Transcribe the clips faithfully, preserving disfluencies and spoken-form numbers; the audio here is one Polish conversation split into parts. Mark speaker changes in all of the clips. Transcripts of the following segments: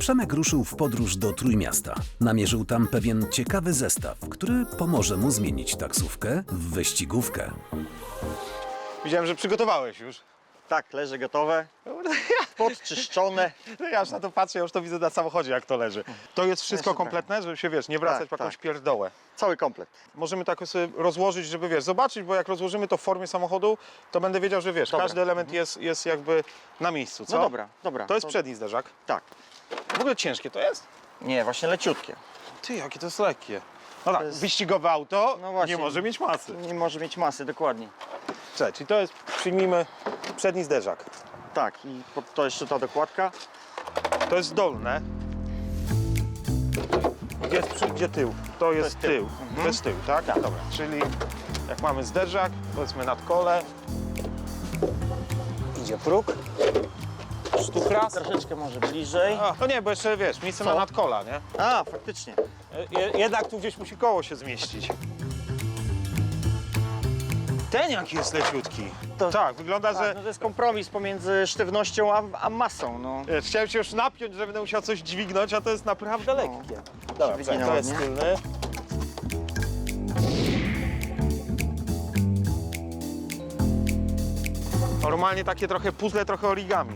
Speaker 1: Przemek ruszył w podróż do Trójmiasta. Namierzył tam pewien ciekawy zestaw, który pomoże mu zmienić taksówkę w wyścigówkę.
Speaker 2: Widziałem, że przygotowałeś już.
Speaker 3: Tak, leży gotowe, podczyszczone.
Speaker 2: No ja aż na to patrzę, ja już to widzę na samochodzie, jak to leży. To jest wszystko
Speaker 3: Jeszcze
Speaker 2: kompletne, żeby się, wiesz, nie wracać
Speaker 3: Tak,
Speaker 2: po jakąś
Speaker 3: tak.
Speaker 2: pierdołę.
Speaker 3: Cały komplet.
Speaker 2: Możemy tak sobie rozłożyć, żeby, wiesz, zobaczyć, bo jak rozłożymy to w formie samochodu, to będę wiedział, że, wiesz,
Speaker 3: Dobra.
Speaker 2: każdy element jest, jest jakby na miejscu, co?
Speaker 3: No dobra, dobra.
Speaker 2: To jest przedni zderzak.
Speaker 3: Tak.
Speaker 2: W ogóle ciężkie to jest?
Speaker 3: Nie, właśnie leciutkie.
Speaker 2: Ty, jakie to jest lekkie. No tak,
Speaker 3: jest-
Speaker 2: wyścigowe auto
Speaker 3: No właśnie.
Speaker 2: nie może mieć masy.
Speaker 3: Nie może mieć masy, dokładnie.
Speaker 2: Cześć, czyli to jest, przyjmijmy, przedni zderzak.
Speaker 3: Tak, i pod to jeszcze ta dokładka.
Speaker 2: To jest dolne. Gdzie jest przy, gdzie tył? To jest,
Speaker 3: jest tył.
Speaker 2: tył.
Speaker 3: Mhm.
Speaker 2: To jest tył, tak?
Speaker 3: Tak.
Speaker 2: Dobra, czyli jak mamy zderzak, powiedzmy nad kole, idzie próg, sztuk raz.
Speaker 3: Troszeczkę może bliżej.
Speaker 2: A, to nie, bo jeszcze, wiesz, miejsce
Speaker 3: Co?
Speaker 2: na nadkola, nie?
Speaker 3: A, faktycznie.
Speaker 2: Je, jednak tu gdzieś musi koło się zmieścić. Ten jaki jest leciutki.
Speaker 3: To-
Speaker 2: Tak, wygląda,
Speaker 3: Tak,
Speaker 2: że...
Speaker 3: no to jest kompromis pomiędzy sztywnością a, a masą. No.
Speaker 2: Wiesz, chciałem się już napiąć, że będę musiał coś dźwignąć, a to jest naprawdę lekkie. Dobra,
Speaker 3: wygina
Speaker 2: to jest
Speaker 3: ładnie.
Speaker 2: tylny. Normalnie takie trochę puzzle, trochę origami.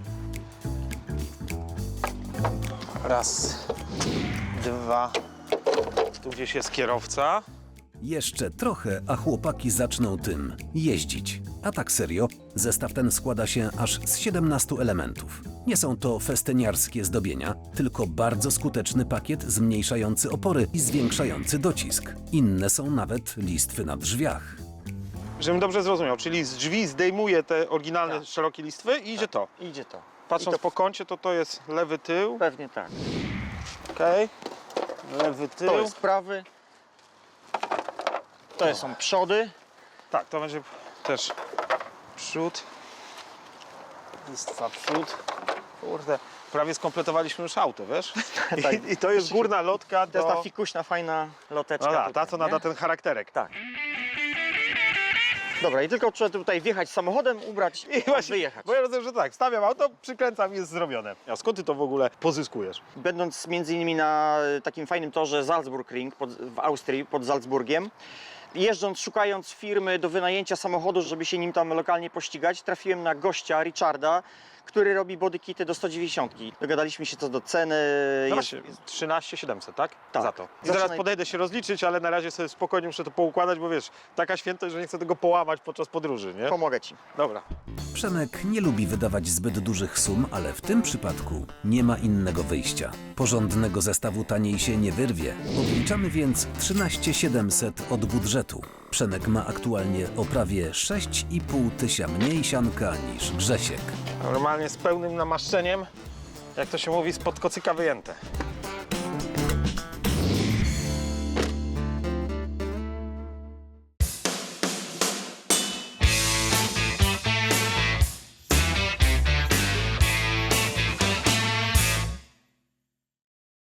Speaker 2: Raz, dwa, tu gdzieś jest kierowca.
Speaker 1: Jeszcze trochę, a chłopaki zaczną tym jeździć. A tak serio, zestaw ten składa się aż z siedemnastu elementów. Nie są to festyniarskie zdobienia, tylko bardzo skuteczny pakiet zmniejszający opory i zwiększający docisk. Inne są nawet listwy na drzwiach.
Speaker 2: Żebym dobrze zrozumiał, czyli z drzwi zdejmuje te oryginalne
Speaker 3: Tak.
Speaker 2: szerokie listwy i idzie to.
Speaker 3: Idzie to.
Speaker 2: Patrząc
Speaker 3: I to
Speaker 2: po kącie, to to jest lewy tył,
Speaker 3: pewnie tak.
Speaker 2: okej, lewy tył.
Speaker 3: To jest prawy. To są przody.
Speaker 2: Tak, to będzie też przód, listwa przód. Kurde, prawie skompletowaliśmy już auto, wiesz? I,
Speaker 3: Tak.
Speaker 2: i to jest górna lotka
Speaker 3: To jest
Speaker 2: do...
Speaker 3: ta fikuśna, fajna loteczka.
Speaker 2: No da, ta,
Speaker 3: tutaj,
Speaker 2: co
Speaker 3: nie?
Speaker 2: nada ten charakterek.
Speaker 3: Tak. Dobra, i tylko trzeba tutaj wjechać samochodem, ubrać
Speaker 2: I właśnie,
Speaker 3: wyjechać.
Speaker 2: bo ja rozumiem, że tak, stawiam auto, przykręcam i jest zrobione. A skąd ty to w ogóle pozyskujesz?
Speaker 3: Będąc między innymi na takim fajnym torze Salzburgring pod, w Austrii, pod Salzburgiem, jeżdżąc, szukając firmy do wynajęcia samochodu, żeby się nim tam lokalnie pościgać, trafiłem na gościa Richarda, który robi bodykity do sto dziewięćdziesiąt. Dogadaliśmy się co do ceny.
Speaker 2: No
Speaker 3: jest,
Speaker 2: właśnie, trzynaście siedemset, tak?
Speaker 3: Tak.
Speaker 2: Za to. I
Speaker 3: Zaczynaj-
Speaker 2: zaraz podejdę się rozliczyć, ale na razie sobie spokojnie muszę to poukładać, bo wiesz, taka świętość, że nie chcę tego połamać podczas podróży, nie?
Speaker 3: Pomogę ci.
Speaker 2: Dobra.
Speaker 1: Przemek nie lubi wydawać zbyt dużych sum, ale w tym przypadku nie ma innego wyjścia. Porządnego zestawu taniej się nie wyrwie. Odliczamy więc trzynaście tysięcy siedemset od budżetu. Przemek ma aktualnie o prawie sześć i pół tysiąca mniej sianka niż Grzesiek.
Speaker 2: Normalnie z pełnym namaszczeniem, jak to się mówi, spod kocyka wyjęte.